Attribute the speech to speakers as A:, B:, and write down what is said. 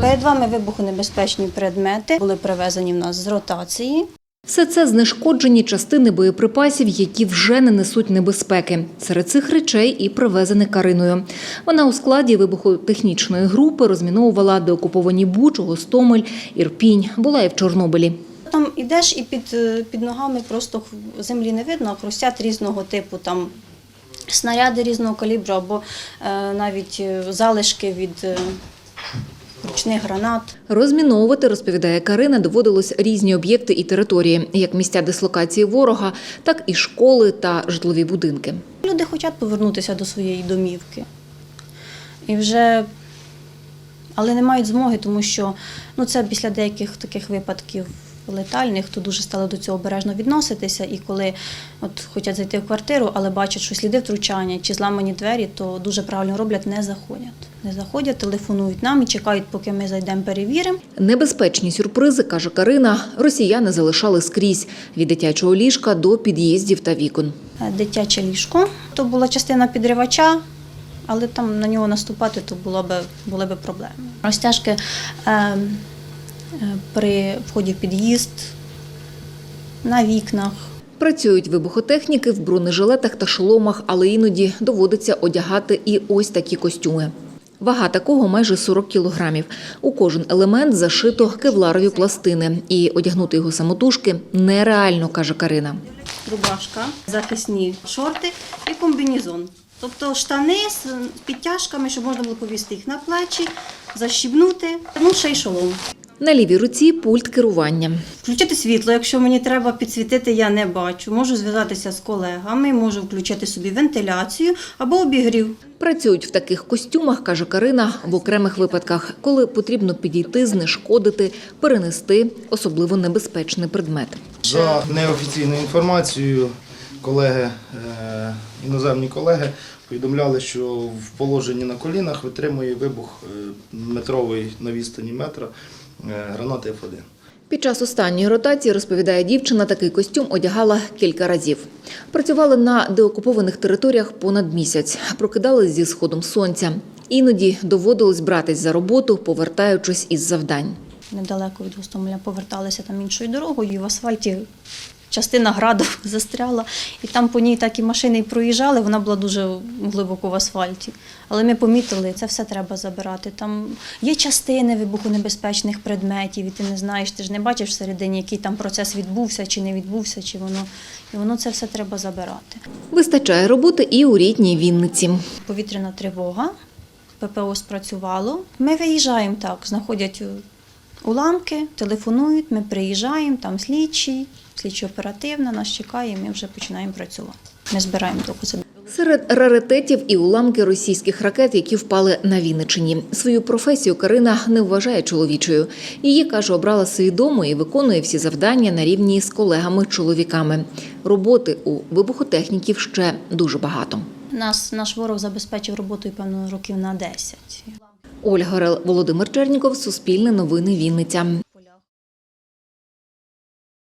A: Перед вами вибухонебезпечні предмети були привезені в нас з ротації.
B: Все це знешкоджені частини боєприпасів, які вже не несуть небезпеки. Серед цих речей і привезене Кариною. Вона у складі вибухотехнічної групи розміновувала деокуповані Бучу, Гостомель, Ірпінь. Була і в Чорнобилі.
A: Там ідеш і під ногами просто землі не видно, а хрустять різного типу, там снаряди різного калібру або навіть залишки від ручних гранат.
B: Розміновувати, розповідає Карина, доводилось різні об'єкти і території, як місця дислокації ворога, так і школи та житлові будинки.
A: Люди хочуть повернутися до своєї домівки. Але не мають змоги, тому що це після деяких таких випадків летальних, то дуже стали до цього обережно відноситися. І коли хочуть зайти в квартиру, але бачать, що сліди втручання чи зламані двері, то дуже правильно роблять, не заходять. Не заходять, телефонують нам і чекають, поки ми зайдемо, перевіримо.
B: Небезпечні сюрпризи, каже Карина, росіяни залишали скрізь – від дитячого ліжка до під'їздів та вікон.
A: Дитяче ліжко. То була частина підривача, але там на нього наступати то були б проблеми. Розтяжки при вході в під'їзд, на вікнах.
B: Працюють вибухотехніки в бронежилетах та шоломах, але іноді доводиться одягати і ось такі костюми. Вага такого майже 40 кілограмів. У кожен елемент зашито кевларові пластини. І одягнути його самотужки нереально, каже Карина.
A: Рубашка, захисні шорти і комбінезон. Тобто штани з підтяжками, щоб можна було повісти їх на плечі, защібнути, ще й шолом.
B: На лівій руці пульт керування.
A: Включити світло, якщо мені треба підсвітити, я не бачу. Можу зв'язатися з колегами, можу включити собі вентиляцію або обігрів.
B: Працюють в таких костюмах, каже Карина, в окремих випадках, коли потрібно підійти, знешкодити, перенести особливо небезпечний предмет.
C: За неофіційною інформацією, іноземні колеги повідомляли, що в положенні на колінах витримує вибух метровий на відстані метра гранати F1.
B: Під час останньої ротації, розповідає дівчина, такий костюм одягала кілька разів. Працювали на деокупованих територіях понад місяць, прокидались зі сходом сонця. Іноді доводилось братись за роботу, повертаючись із завдань.
A: Недалеко від Гостомеля поверталися там іншою дорогою, і в асфальті частина граду застряла. І там по ній так і машини проїжджали, вона була дуже глибоко в асфальті. Але ми помітили, це все треба забирати. Там є частини вибухонебезпечних предметів, і ти не знаєш, ти ж не бачиш всередині, який там процес відбувся, чи не відбувся, і воно це все треба забирати.
B: Вистачає роботи і у рідній Вінниці.
A: Повітряна тривога, ППО спрацювало. Ми виїжджаємо так, знаходять уламки, телефонують, ми приїжджаємо, там слідчо-оперативна, нас чекає, і ми вже починаємо працювати. Ми збираємо докази.
B: Серед раритетів і уламки російських ракет, які впали на Вінниччині. Свою професію Карина не вважає чоловічою. Її, каже, обрала свідомо і виконує всі завдання на рівні з колегами-чоловіками. Роботи у вибухотехніків ще дуже багато.
A: Наш ворог забезпечив роботою, певно, років на 10.
B: Ольга Орел, Володимир Черніков, Суспільне новини, Вінниця.